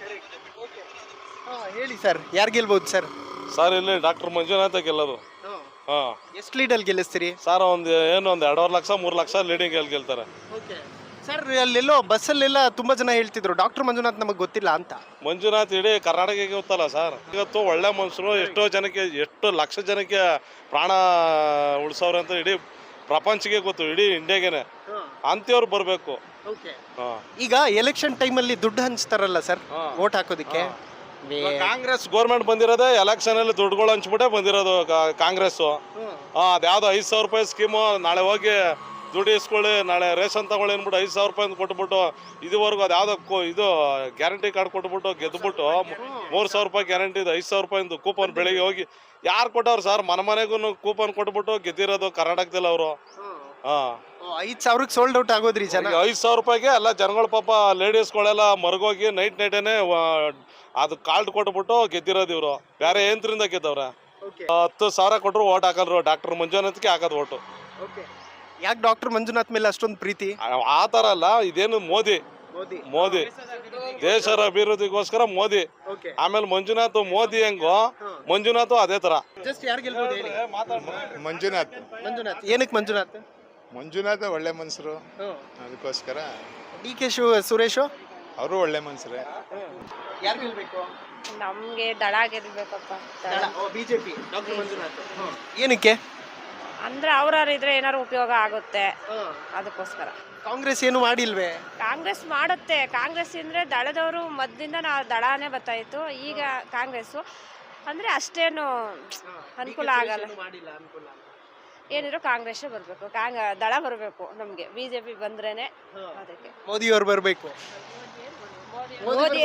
[SPEAKER 1] ಹೇಳಿ ಸರ್, ಯಾರು ಗೆಲ್ಬಹುದು ಸರ್?
[SPEAKER 4] ಸರ್ ಇಲ್ಲಿ ಡಾಕ್ಟರ್ ಮಂಜುನಾಥ ಗೆಲ್ಲೋದು. ಹಾ,
[SPEAKER 1] ಎಷ್ಟು ಲೀಡಲ್ಲಿ ಗೆಲ್ಲಿಸ್ತೀರಿ
[SPEAKER 4] ಸರ್? ಒಂದು ಏನು ಒಂದು ಎರಡೂವರೆ ಲಕ್ಷ ಮೂರು ಲಕ್ಷ ಲೀಡಿಂಗ್ ಎಲ್ಲಿ ಗೆಲ್ತಾರೆ
[SPEAKER 1] ಸರ್? ಅಲ್ಲೆಲ್ಲೋ ಬಸ್ಸಲ್ಲೆಲ್ಲ ತುಂಬಾ ಜನ ಹೇಳ್ತಿದ್ರು ಡಾಕ್ಟರ್ ಮಂಜುನಾಥ್ ನಮಗೆ ಗೊತ್ತಿಲ್ಲ ಅಂತ.
[SPEAKER 4] ಮಂಜುನಾಥ್ ಇಡೀ ಕರ್ನಾಟಕಕ್ಕೆ ಗೊತ್ತಲ್ಲ ಸರ್. ಇವತ್ತು ಒಳ್ಳೆ ಮನುಷ್ಯರು, ಎಷ್ಟೋ ಜನಕ್ಕೆ, ಎಷ್ಟು ಲಕ್ಷ ಜನಕ್ಕೆ ಪ್ರಾಣ ಉಳಿಸೋರು ಅಂತ ಇಡೀ ಪ್ರಪಂಚಕ್ಕೆ ಗೊತ್ತು, ಇಡೀ ಇಂಡಿಯಾಗೇನೆ. ಅಂಥವ್ರು ಬರಬೇಕು.
[SPEAKER 1] ಈಗ ಎಲೆಕ್ಷನ್ ಟೈಮಲ್ಲಿ ದುಡ್ಡು ಹಂಚ್ತಾರಲ್ಲ ಸರ್ ವೋಟ್ ಹಾಕೋದಿಕ್ಕೆ.
[SPEAKER 4] ಕಾಂಗ್ರೆಸ್ ಗೋರ್ಮೆಂಟ್ ಬಂದಿರೋದೇ ಎಲೆಕ್ಷನ್ ಅಲ್ಲಿ ದುಡ್ಡುಗಳು ಹಂಚ್ಬಿಟ್ಟೆ ಬಂದಿರೋದು ಕಾಂಗ್ರೆಸ್. ಅದ್ಯಾವ್ದೋ ಐದು ಸಾವಿರ ರೂಪಾಯಿ ಸ್ಕೀಮು, ನಾಳೆ ಹೋಗಿ ದುಡ್ಡು ಇಸ್ಕೊಳ್ಳಿ, ನಾಳೆ ರೇಷನ್ ತಗೊಳ್ಳಿ ಅಂದ್ಬಿಟ್ಟು ಐದು ಸಾವಿರ ರೂಪಾಯಿ ಕೊಟ್ಬಿಟ್ಟು ಇದುವರೆಗೂ ಅದು ಯಾವುದೋ ಇದು ಗ್ಯಾರಂಟಿ ಕಾರ್ಡ್ ಕೊಟ್ಬಿಟ್ಟು ಗೆದ್ದುಬಿಟ್ಟು ಮೂರು ಸಾವಿರ ರೂಪಾಯಿ ಗ್ಯಾರಂಟಿ ಇದು ಐದು ಸಾವಿರ ರೂಪಾಯಿಂದು ಕೂಪನ್ ಬೆಳಿಗ್ಗೆ ಹೋಗಿ ಯಾರು ಕೊಟ್ಟವ್ರು ಸರ್? ಮನೆ ಮನೆಗೂ ಕೂಪನ್ ಕೊಟ್ಬಿಟ್ಟು ಗೆದ್ದಿರೋದು ಕರ್ನಾಟಕದಲ್ಲಿ ಅವರು. ಹಾಂ,
[SPEAKER 1] ಐದು ಸಾವಿರಕ್ಕೆ ಸೋಲ್ಡ್ ಔಟ್ ಆಗೋದ್ರಿ ಜನ.
[SPEAKER 4] ಐದು ಸಾವಿರ ರೂಪಾಯಿಗೆ ಎಲ್ಲ ಜನಗಳು ಪಾಪ ಲೇಡೀಸ್ಗಳೆಲ್ಲ ಮರಗೋಗಿ ನೈಟ್ ನೈಟೇನೆ ಅದು ಕಾರ್ಡ್ ಕೊಟ್ಬಿಟ್ಟು ಗೆದ್ದಿರೋದು ಇವರು. ಬೇರೆ ಏನ್ರಿಂದ ಗೆದ್ದವ್ರೆ? ಹತ್ತು ಸಾವಿರ ಕೊಟ್ಟರು ಓಟ್ ಹಾಕಲ್ರು, ಡಾಕ್ಟರ್ ಮಂಜುನಾಥ್ಗೆ ಹಾಕೋದು ಓಟು.
[SPEAKER 1] ಯಾಕೆ ಡಾಕ್ಟರ್ ಮಂಜುನಾಥ್ ಮೇಲೆ ಅಷ್ಟೊಂದು ಪ್ರೀತಿ?
[SPEAKER 4] ಆ ಥರ ಅಲ್ಲ, ಇದೇನು ಮೋದಿ ಮೋದಿ ದೇಶದ ಅಭಿವೃದ್ಧಿಗೋಸ್ಕರ ಮೋದಿ. ಆಮೇಲೆ ಮಂಜುನಾಥ್ ಮೋದಿ ಹೆಂಗೋ ಮಂಜುನಾಥ್ ಅದೇ ತರ.
[SPEAKER 1] ಜಸ್ಟ್ ಯಾರು ಗೆಲ್ಬಹುದು ಹೇಳಿ?
[SPEAKER 18] ಮಂಜುನಾಥ್.
[SPEAKER 1] ಮಂಜುನಾಥ್. ಏನಕ್ಕೆ ಮಂಜುನಾಥ್?
[SPEAKER 18] ಮಂಜುನಾಥ್ ಒಳ್ಳೆ ಮನ್ಸರು, ಅದಕ್ಕೋಸ್ಕರ.
[SPEAKER 1] ಡಿ ಕೆ ಶಿವ ಸುರೇಶ್
[SPEAKER 18] ಅವರು ಒಳ್ಳೆ ಮನ್ಸರೇ.
[SPEAKER 1] ಯಾರು ಗೆಲ್ಬೇಕು?
[SPEAKER 3] ನಮಗೆ ದಳ ಗೆಲ್ಬೇಕಪ್ಪ.
[SPEAKER 1] BJP doctor Manjunath. ಏನಕ್ಕೆ?
[SPEAKER 3] ಅಂದ್ರೆ ಅವ್ರಾರು ಇದ್ರೆ ಏನಾರು ಉಪಯೋಗ ಆಗುತ್ತೆ, ಅದಕ್ಕೋಸ್ಕರ.
[SPEAKER 1] ಕಾಂಗ್ರೆಸ್ ಏನು ಮಾಡಿಲ್ವೇ?
[SPEAKER 3] ಕಾಂಗ್ರೆಸ್ ಮಾಡುತ್ತೆ. ಕಾಂಗ್ರೆಸ್ ಅಂದ್ರೆ ದಳದವರು ಮೊದಲಿಂದ ನಾವು ದಳನೇ ಬರ್ತಾಯಿತ್ತು. ಈಗ ಕಾಂಗ್ರೆಸ್ಸು ಅಂದ್ರೆ ಅಷ್ಟೇನು ಅನುಕೂಲ ಆಗಲ್ಲ. ಏನಿದ್ರು ಕಾಂಗ್ರೆಸ್ ಬರಬೇಕು, ಕಾಂಗ್ ದಳ ಬರಬೇಕು ನಮಗೆ. ಬಿ ಜೆ ಪಿ ಬಂದ್ರೇನೆ ಅದಕ್ಕೆ.
[SPEAKER 1] ಮೋದಿ ಅವ್ರು ಬರಬೇಕು.
[SPEAKER 3] ಮೋದಿ.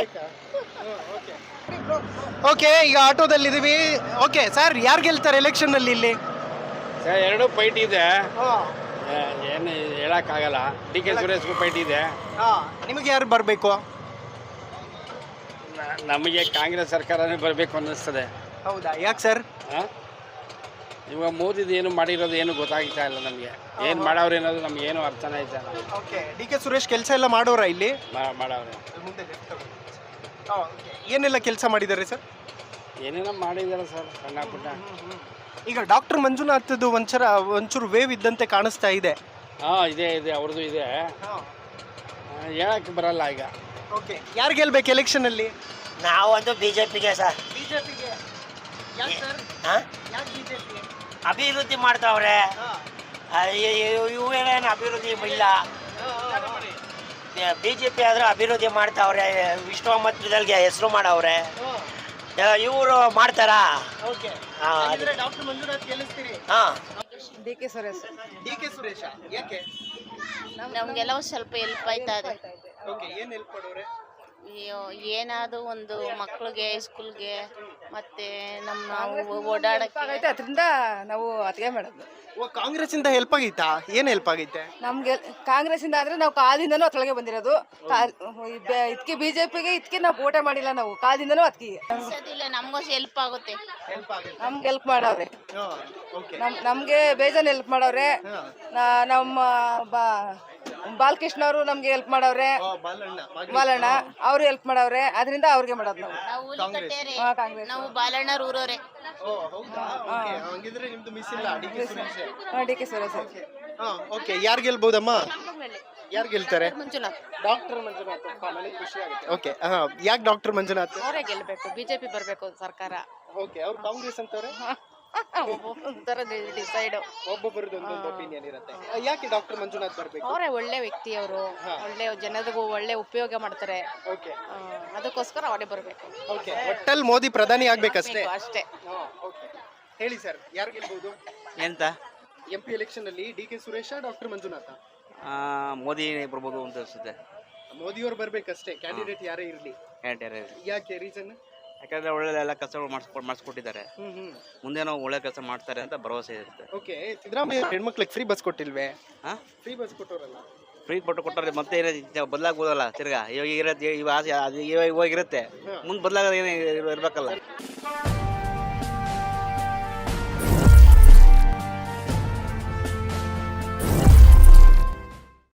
[SPEAKER 1] ಓಕೆ, ಈಗ ಆಟೋದಲ್ಲಿದ್ದೀವಿ. ಓಕೆ ಸರ್, ಯಾರು ಗೆಲ್ತಾರೆ ಎಲೆಕ್ಷನ್ ಅಲ್ಲಿ ಇಲ್ಲಿ?
[SPEAKER 19] ಸರ್ ಎರಡು ಫೈಟ್ ಇದೆ, ಏನು ಹೇಳಕ್ಕಾಗಲ್ಲ. ಡಿ ಕೆ ಸುರೇಶ್ಗೂ ಫೈಟ್ ಇದೆ.
[SPEAKER 1] ನಿಮಗೆ ಯಾರು ಬರಬೇಕು?
[SPEAKER 19] ನಮಗೆ ಕಾಂಗ್ರೆಸ್ ಸರ್ಕಾರನೇ ಬರಬೇಕು ಅನ್ನಿಸ್ತದೆ.
[SPEAKER 1] ಹೌದಾ? ಯಾಕೆ ಸರ್?
[SPEAKER 19] ಇವಾಗ ಮೋದಿದು ಏನು ಮಾಡಿರೋದು ಏನು ಗೊತ್ತಾಗ್ತಾ ಇಲ್ಲ ನಮಗೆ. ಏನು ಮಾಡವ್ರೆ ಅನ್ನೋದು ನಮ್ಗೆ ಏನು ಅರ್ಥನೇ ಆಯ್ತಾ.
[SPEAKER 1] ಓಕೆ, ಡಿ ಕೆ ಸುರೇಶ್ ಕೆಲಸ ಎಲ್ಲ ಮಾಡೋರ ಇಲ್ಲಿ?
[SPEAKER 19] ಮಾಡವ್ರೆ.
[SPEAKER 1] ಏನೆಲ್ಲ ಕೆಲಸ ಮಾಡಿದ್ದಾರೆ ಸರ್?
[SPEAKER 19] ಏನೇನೋ ಮಾಡಿದ್ದಾರೆ ಸರ್, ಸಣ್ಣ ಪುಟ್ಟ.
[SPEAKER 1] ಈಗ ಡಾಕ್ಟರ್ ಮಂಜುನಾಥದ್ದು ಒಂಚೂರ ಒಂಚೂರು ವೇವ್ ಇದ್ದಂತೆ ಕಾಣಿಸ್ತಾ ಇದೆ.
[SPEAKER 19] ಹಾಂ, ಇದೆ ಇದೆ, ಅವ್ರದ್ದು ಇದೆ. ಹೇಳಕ್ಕೆ ಬರಲ್ಲ ಈಗ.
[SPEAKER 1] ಓಕೆ, ಯಾರು ಗೆಲ್ಬೇಕು ಎಲೆಕ್ಷನ್ ಅಲ್ಲಿ?
[SPEAKER 14] ನಾವಂತೂ ಬಿಜೆಪಿಗೆ ಸರ್.
[SPEAKER 1] ಬಿಜೆಪಿಗೆ. ಯಾಕೆ ಸರ್? ಯಾಕೆ ಬಿಜೆಪಿ?
[SPEAKER 14] ಅಭಿವೃದ್ಧಿ ಮಾಡ್ತಾವ್ರೆ, ಇವೇನೇನು ಅಭಿವೃದ್ಧಿ ಇಲ್ಲ.
[SPEAKER 20] ಬಿ ಜೆ ಪಿ ಆದ್ರೆ ಅಭಿವೃದ್ಧಿ ಮಾಡ್ತಾವ್ರೆ, ವಿಶ್ವಾಮಿತ್ರದಲ್ಲಿ ಹೆಸರು ಮಾಡವ್ರೆ, ಇವರು ಮಾಡ್ತಾರಾ?
[SPEAKER 1] ಡಾಕ್ಟರ್ ಮಂಜುನಾಥ್ ಗೆಲ್ಲಿಸ್ತೀರಿ?
[SPEAKER 20] ಹಾ.
[SPEAKER 7] D K Suresh.
[SPEAKER 1] D K Suresha ಯಾಕೆ?
[SPEAKER 2] ನಮ್ಗೆಲ್ಲ ಸ್ವಲ್ಪ ಹೆಲ್ಪ್ ಆಯ್ತಾ ಇದೆ.
[SPEAKER 1] ಓಕೆ, ಏನ್ ಹೆಲ್ಪ್ ಮಾಡೋರೆ?
[SPEAKER 2] ಏನಾದ್ರು ಒಂದು ಮಕ್ಳಿಗೆ ಸ್ಕೂಲ್ಗೆ ಮತ್ತೆ ನಮ್ಮ ಓಡಾಡಕ್ಕೆ
[SPEAKER 7] ಅದರಿಂದ ನಾವು ಅತಿಗೆ ಮಾಡೋದು.
[SPEAKER 1] ಓ, ಕಾಂಗ್ರೆಸ್ ಇಂದ ಹೆಲ್ಪ್ ಆಗೈತಾ? ಏನ್ ಹೆಲ್ಪ್ ಆಗೈತೆ?
[SPEAKER 7] ನಮ್ಗೆ ಕಾಂಗ್ರೆಸ್ ಇಂದ ಆದ್ರೆ ನಾವು ಕಾಲದಿಂದನೂ ಅತ್ಕೊಳಗೆ ಬಂದಿರೋದು. ಇದಕ್ಕೆ ಬಿಜೆಪಿಗೆ ಇದಕ್ಕೆ ನಾವು ಓಟೆ ಮಾಡಿಲ್ಲ, ನಾವು ಕಾಲದಿಂದನೂ ಅದಕ್ಕೆ
[SPEAKER 2] ನಮಗೂ ಹೆಲ್ಪ್ ಆಗುತ್ತೆ.
[SPEAKER 7] ನಮ್ಗೆ ಹೆಲ್ಪ್ ಮಾಡವ್ರೆ, ನಮ್ ನಮ್ಗೆ ಬೇಜಾನ್ ಹೆಲ್ಪ್ ಮಾಡವ್ರೆ. ನಾ- ನಮ್ಮ ಬಾ ಬಾಲಕೃಷ್ಣ ಅವರು ನಮ್ಗೆ ಹೆಲ್ಪ್ ಮಾಡವ್ರೆ, ಬಾಲಣ್ಣ ಅವ್ರು ಹೆಲ್ಪ್ ಮಾಡವ್ರೆ, ಅದರಿಂದ ಅವ್ರಿಗೆ ಮಾಡೋದು ನಾವು. ಹಾ, ಕಾಂಗ್ರೆಸ್.
[SPEAKER 2] ನಾವು ಬಾಲಣ್ಣರ್ ಊರವ್ರೆ.
[SPEAKER 1] ಹಂಗಿದ್ರೆ ನಿಮ್ದು ಮಿಸ್ ಇಲ್ಲ ಡಿ ಕೆ ಸುರೇಶ್.
[SPEAKER 7] ಹಾ, ಡಿ ಕೆ ಸುರೇಶ್.
[SPEAKER 1] ಓಕೆ, ಯಾರು ಗೆಲ್ಬಹುದಮ್ಮ? ಯಾರು ಗೆಲ್ತಾರೆ?
[SPEAKER 3] ಮಂಜುನಾಥ್.
[SPEAKER 1] ಡಾಕ್ಟರ್ ಮಂಜುನಾಥ್. ನನಗೆ ಖುಷಿ ಆಗುತ್ತೆ. ಓಕೆ, ಹಾ, ಯಾಕೆ ಡಾಕ್ಟರ್ ಮಂಜುನಾಥ್?
[SPEAKER 3] ಅವರೇ ಗೆಲ್ಬೇಕು, ಬಿಜೆಪಿ ಬರ್ಬೇಕು ಸರ್ಕಾರ.
[SPEAKER 1] ಓಕೆ, ಅವ್ರು ಕಾಂಗ್ರೆಸ್ ಅಂತವ್ರೆ.
[SPEAKER 3] ಡಿಸೈಡ್
[SPEAKER 1] ಒಬ್ಬೊಬ್ಬರದ್ದು ಒಂದೊಂದು ಒಪಿನಿಯನ್ ಇರುತ್ತೆ. ಯಾಕೆ ಡಾಕ್ಟರ್ ಮಂಜುನಾಥ್ ಬರ್ಬೇಕು?
[SPEAKER 3] ಅವರೇ ಒಳ್ಳೆ ವ್ಯಕ್ತಿ, ಅವರು ಒಳ್ಳೆ ಜನರಿಗೂ ಒಳ್ಳೆ ಉಪಯೋಗ ಮಾಡ್ತಾರೆ.
[SPEAKER 1] ಓಕೆ,
[SPEAKER 3] ಅದಕ್ಕೋಸ್ಕರ ಅವರೇ ಬರಬೇಕು.
[SPEAKER 1] ಓಕೆ, ಒಟ್ಟಲ್ಲಿ ಮೋದಿ ಪ್ರಧಾನಿ ಆಗ್ಬೇಕಷ್ಟೇ.
[SPEAKER 3] ಅಷ್ಟೇ.
[SPEAKER 1] ಹೇಳಿ ಸರ್, ಯಾರು ಗೆಲ್ಬಹುದು
[SPEAKER 21] ಎಂತ
[SPEAKER 1] ಎಂ ಪಿ ಎಲೆಕ್ಷನ್ ಅಲ್ಲಿ? D K Suresha, doctor Manjunatha?
[SPEAKER 21] Modi ಬರ್ಬೋದು ಅಂತ ಅನ್ಸುತ್ತೆ.
[SPEAKER 1] ಮೋದಿಯವರು ಬರ್ಬೇಕಷ್ಟೇ, ಕ್ಯಾಂಡಿಡೇಟ್ ಯಾರೇ ಇರಲಿ. ಯಾಕೆ ರೀಸನ್?
[SPEAKER 21] ಯಾಕಂದ್ರೆ ಒಳ್ಳೆ ಎಲ್ಲ ಕೆಲಸಗಳು ಮಾಡಿಸ್ಕೊಂಡು ಮಾಡಿಸ್ಕೊಟ್ಟಿದ್ದಾರೆ, ಮುಂದೆ ನಾವು ಒಳ್ಳೆ ಕೆಲಸ ಮಾಡ್ತಾರೆ ಅಂತ ಭರವಸೆ ಇರುತ್ತೆ.
[SPEAKER 1] ಓಕೆ, ಸಿದ್ದರಾಮಯ್ಯ ಹೆಣ್ಮಕ್ಳಿಗೆ ಫ್ರೀ ಬಸ್ ಕೊಟ್ಟಿಲ್ವೇ?
[SPEAKER 21] ಹಾ,
[SPEAKER 1] ಫ್ರೀ ಬಸ್ ಕೊಟ್ಟೋರಲ್ಲ.
[SPEAKER 21] ಫ್ರೀ ಕೊಟ್ಟು ಕೊಟ್ಟರೆ ಮತ್ತೆ ಏನೇ ಬದಲಾಗ್ಬೋದಲ್ಲ ತಿರ್ಗಾ. ಇವಾಗ ಇರತ್ತೆ, ಇವಾಗ ಇವಾಗ ಇರುತ್ತೆ, ಮುಂದೆ ಬದಲಾಗೋದು ಏನೇ ಇರಬೇಕಲ್ಲ.